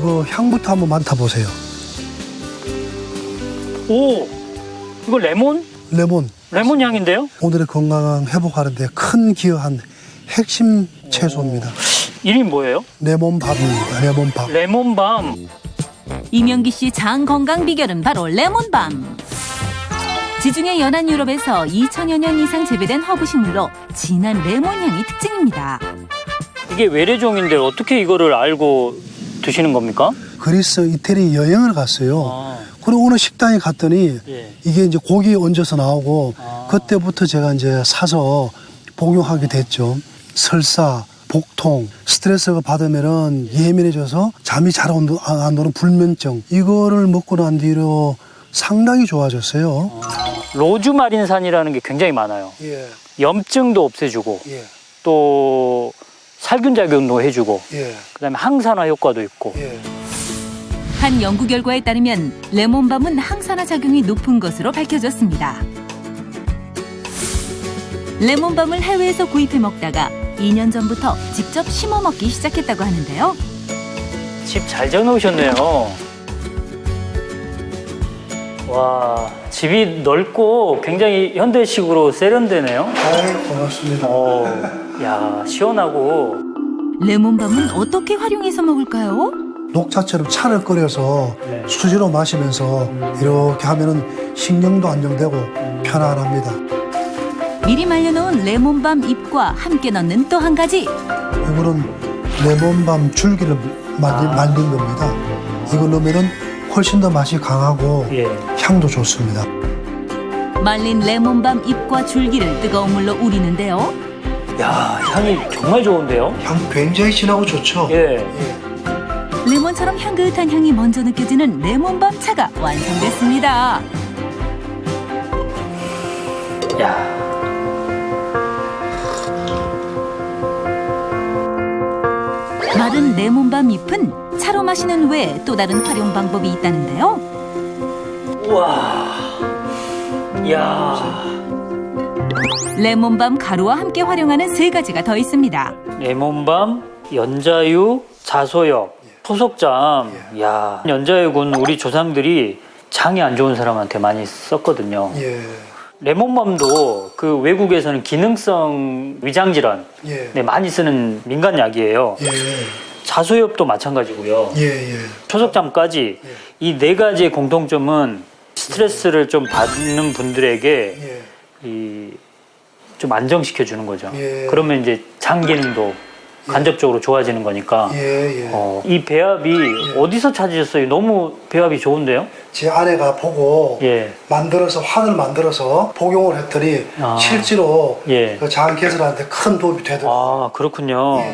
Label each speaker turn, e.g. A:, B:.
A: 이거 향부터 한번 맡아보세요.
B: 오, 이거 레몬?
A: 레몬
B: 향인데요?
A: 오늘의 건강 회복하는 데 큰 기여한 핵심 채소입니다.
B: 이름이 뭐예요?
A: 레몬밥입니다. 레몬밥.
B: 레몬밤.
C: 이명기 씨 장 건강 비결은 바로 레몬밤. 지중해 연안 유럽에서 2000여 년 이상 재배된 허브식물로 진한 레몬 향이 특징입니다.
B: 이게 외래종인데 어떻게 이거를 알고 드시는 겁니까?
A: 그리스, 이태리 여행을 갔어요.
B: 아,
A: 그리고 어느 식당에 갔더니
B: 예.
A: 이게 이제 고기에 얹어서 나오고
B: 아.
A: 그때부터 제가 이제 사서 복용하게 됐죠. 설사, 복통, 스트레스가 받으면은 예민해져서 잠이 잘 안 오는 불면증 이거를 먹고 난 뒤로 상당히 좋아졌어요.
B: 로즈마린산이라는 게 굉장히 많아요.
A: 예,
B: 염증도 없애주고
A: 예,
B: 또 살균 작용도 해주고
A: 예,
B: 그다음에 항산화 효과도 있고.
A: 예.
C: 한 연구 결과에 따르면 레몬밤은 항산화 작용이 높은 것으로 밝혀졌습니다. 레몬밤을 해외에서 구입해 먹다가 2년 전부터 직접 심어 먹기 시작했다고 하는데요.
B: 집 잘 지어놓으셨네요. 와, 집이 넓고 굉장히 현대식으로 세련되네요.
A: 아이, 고맙습니다.
B: 야, 시원하고.
C: 레몬밤은 어떻게 활용해서 먹을까요?
A: 녹차처럼 차를 끓여서
B: 네.
A: 수시로 마시면서 이렇게 하면은 신경도 안정되고 편안합니다.
C: 미리 말려놓은 레몬밤 잎과 함께 넣는 또 한 가지.
A: 이거는 레몬밤 줄기를 말린 겁니다. 이거 넣으면은 훨씬 더 맛이 강하고
B: 예.
A: 향도 좋습니다.
C: 말린 레몬밤 잎과 줄기를 뜨거운 물로 우리는데요.
B: 야, 향이 정말 좋은데요?
A: 향 굉장히 진하고 좋죠?
B: 예.
A: 예.
C: 레몬처럼 향긋한 향이 먼저 느껴지는 레몬밤 차가 완성됐습니다.
B: 야.
C: 마른 레몬밤 잎은 차로 마시는 외에 또 다른 활용 방법이 있다는데요.
B: 우와. 야.
C: 레몬밤 가루와 함께 활용하는 세 가지가 더 있습니다.
B: 레몬밤, 연자유, 자소엽, 토속잠. 야, 연자유는 우리 조상들이 장이 안 좋은 사람한테 많이 썼거든요.
A: 예.
B: 레몬밤도 그 외국에서는 기능성 위장질환
A: 예.
B: 네, 많이 쓰는 민간약이에요.
A: 예.
B: 자소엽도 마찬가지고요.
A: 예. 예.
B: 초석잠까지 이 네 가지의 공통점은 스트레스를 좀 받는 분들에게
A: 예.
B: 좀 안정시켜 주는 거죠.
A: 예.
B: 그러면 이제 장 기능도 간접적으로 좋아지는 거니까.
A: 예. 예.
B: 이 배합이 어디서 찾으셨어요? 너무 배합이 좋은데요?
A: 제 아내가 보고
B: 예.
A: 만들어서 환을 만들어서 복용을 했더니
B: 아.
A: 실제로
B: 예.
A: 그 장 개선하는데 큰 도움이 되더라고요.
B: 아, 그렇군요.
A: 예.